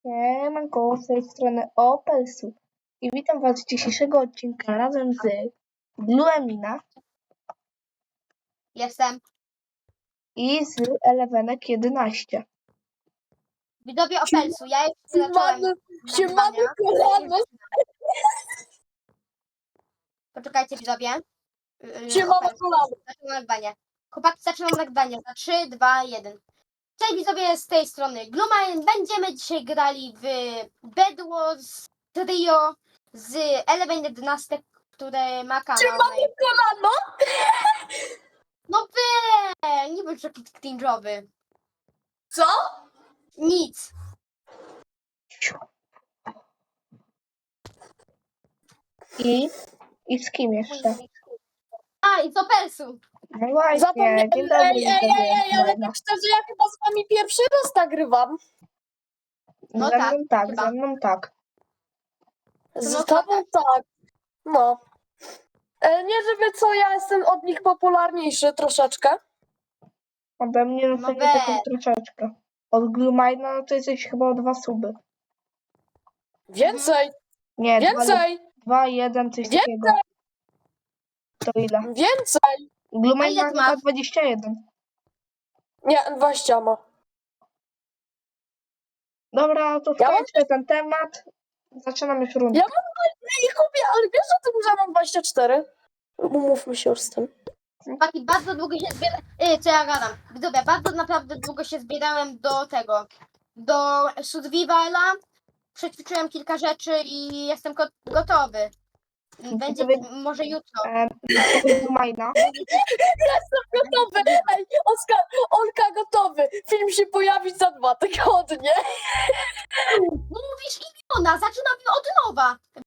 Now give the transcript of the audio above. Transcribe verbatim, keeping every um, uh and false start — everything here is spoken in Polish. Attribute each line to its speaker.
Speaker 1: Siemanko, z tej strony Opelsu i witam was z dzisiejszego odcinka razem z Bluemina
Speaker 2: Jestem.
Speaker 1: i z Elevenek jedenaście.
Speaker 2: Widzowie Opelsu, ja jeszcze zacząłem
Speaker 3: Siemano,
Speaker 2: nagrywania.
Speaker 3: kolano.
Speaker 2: Poczekajcie widzowie. Yy,
Speaker 3: Siemano,
Speaker 2: Opelsu,
Speaker 3: kolano.
Speaker 2: zaczynam nagrywanie. Chłopaki, zaczynam nagrywanie za trzy, dwa, jeden. Cześć widzowie, z tej strony Glumine. Będziemy dzisiaj grali w Bed Wars Trio z Eleven jedenaście, które ma kanał.
Speaker 3: Siemano, kolano.
Speaker 2: No wy, nie bądź taki cringe'owy.
Speaker 3: Co?
Speaker 2: Nic.
Speaker 1: I, i z kim jeszcze?
Speaker 2: A, i z Opelsu.
Speaker 1: No właśnie,
Speaker 3: Zapomniałem.
Speaker 1: dzień dobry.
Speaker 3: Ej, ej, ej, ej, ale
Speaker 1: widzowie.
Speaker 3: tak szczerze, ja chyba z wami pierwszy raz nagrywam.
Speaker 2: No
Speaker 1: Ze
Speaker 2: tak,
Speaker 1: mną tak,
Speaker 2: chyba.
Speaker 1: ze mną tak.
Speaker 3: Z
Speaker 2: No
Speaker 3: tobą tak. No. E, nie żeby co, ja jestem od nich popularniejszy troszeczkę.
Speaker 1: Ode mnie no
Speaker 2: No
Speaker 1: to nie tylko
Speaker 2: weź.
Speaker 1: troszeczkę. Od Glumina no to jesteś chyba o dwa suby.
Speaker 3: Więcej,
Speaker 1: Nie, dwa, lub-
Speaker 3: więcej,
Speaker 1: dwa, jeden, coś
Speaker 3: Więcej.
Speaker 1: takiego. To ile?
Speaker 3: więcej.
Speaker 2: A
Speaker 1: Glumina
Speaker 2: ile
Speaker 1: ma
Speaker 2: ty
Speaker 1: chyba
Speaker 2: masz?
Speaker 1: dwadzieścia jeden.
Speaker 3: Nie, dwadzieścia ma.
Speaker 1: Dobra, to
Speaker 3: Ja mam-
Speaker 1: skończmy ten temat. Zaczynamy już rundę.
Speaker 3: Ja mam... Ej, chłopie, ale wiesz o tym, że mam dwadzieścia cztery? Umówmy się już z tym.
Speaker 2: Chłopaki, bardzo długo się zbierałem. Yy, co ja gadam? Widzowie, bardzo naprawdę długo się zbierałem do tego. Do survivala. Przećwiczyłem kilka rzeczy i jestem go- gotowy. Będzie
Speaker 1: Gotowy?
Speaker 2: może jutro.
Speaker 1: E, Glumina.
Speaker 3: Jestem gotowy! Ej, Oskar, Olka gotowy! Film się pojawi za dwa tygodnie.
Speaker 2: Mówisz imiona, zaczynamy od nowa.